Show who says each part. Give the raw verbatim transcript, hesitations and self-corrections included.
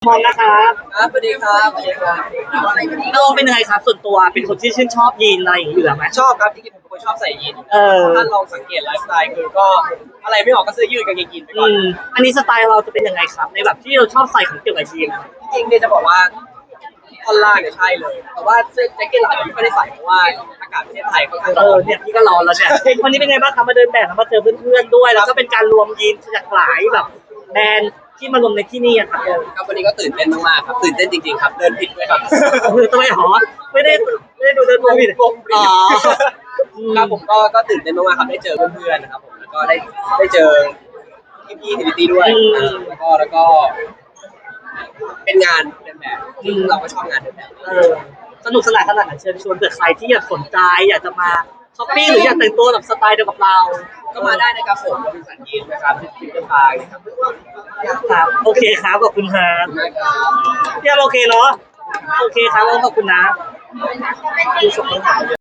Speaker 1: มองนะครับ
Speaker 2: ครับสวัสดีครับสวัสดีครับ
Speaker 1: เราเป็นยังไงครับส่วนตัวเป็นคนที่ชื่นชอบยีนอะไรอย่างนี้อยู่แล้วไหม
Speaker 2: ชอบครับจริงๆผมเป็นคนชอบใส่ยีน
Speaker 1: เออ
Speaker 2: ถ้าลองสังเกตไลฟ์สไตล์คือก็อะไรไม่ออกก็เสื้อยืดกางเกงยีนไปก่
Speaker 1: อื
Speaker 2: อน
Speaker 1: มอันนี้สไตล์เราจะเป็นยังไงครับในแบบที่เราชอบใส่ของเกี่ยวกับยีน
Speaker 2: จริงๆเนี่ยจะบอกว่าท่อนล่างเนี่ยใช่เลย แต่ว่าเสื้อแจ็คเก็ตเราอาจจะไม่ค่อยได้ใส่เพราะว่าอากาศประเทศไทยค่อนข้าง
Speaker 1: เอ
Speaker 2: ร้อ
Speaker 1: อน เนี่ยพี่ก็ร้อนแล้วเนี่ยวันนี้เป็นไงบ้างครับมาเดินแบบแล้วมาเจอเพื่อนๆด้วย แล้วก็เป็นการรวมยีนจากหลายแบบแบรนด์ที่มารวมในที่นี่อะครับ
Speaker 2: ครับวันนี้ก็ตื่นเต้นมากๆครับตื่นเต้นจริงๆครับเดินผิดด้วยครับ
Speaker 1: คือทำไมหรอไม่ได้ไม่ได้ดูเดินวงผิด
Speaker 2: วงผิด
Speaker 1: อ๋อ
Speaker 2: ครับผมก็ก็ตื่นเต้นมากๆครับได้เจอเพื่อนๆนะครับผมแล้วก็ได้ได้เจอพี่ๆทีวีตีด้วยแล้วก็แล้วก็ เป็นงานเดินแบบซึ่งเราก็ชอบงานเดินแบบ
Speaker 1: เออสนุกสนานขนาดไหนเชิญชวนเผื่อใครที่อยากสนใจอยากจะมาช้อปปิ้งหรืออยากแต่งตัวแบบสไตล์เดียวกับเรา
Speaker 2: ก็มาได้นะครับผมเราเป็นสันยีนนะครับฟิวเจอร์พาร์คนะครับ
Speaker 1: ครับโอเคครับขอบคุณครับ
Speaker 2: นะครับ
Speaker 1: พี่แอมโอเคเนาะโอเคครับขอบคุณนะ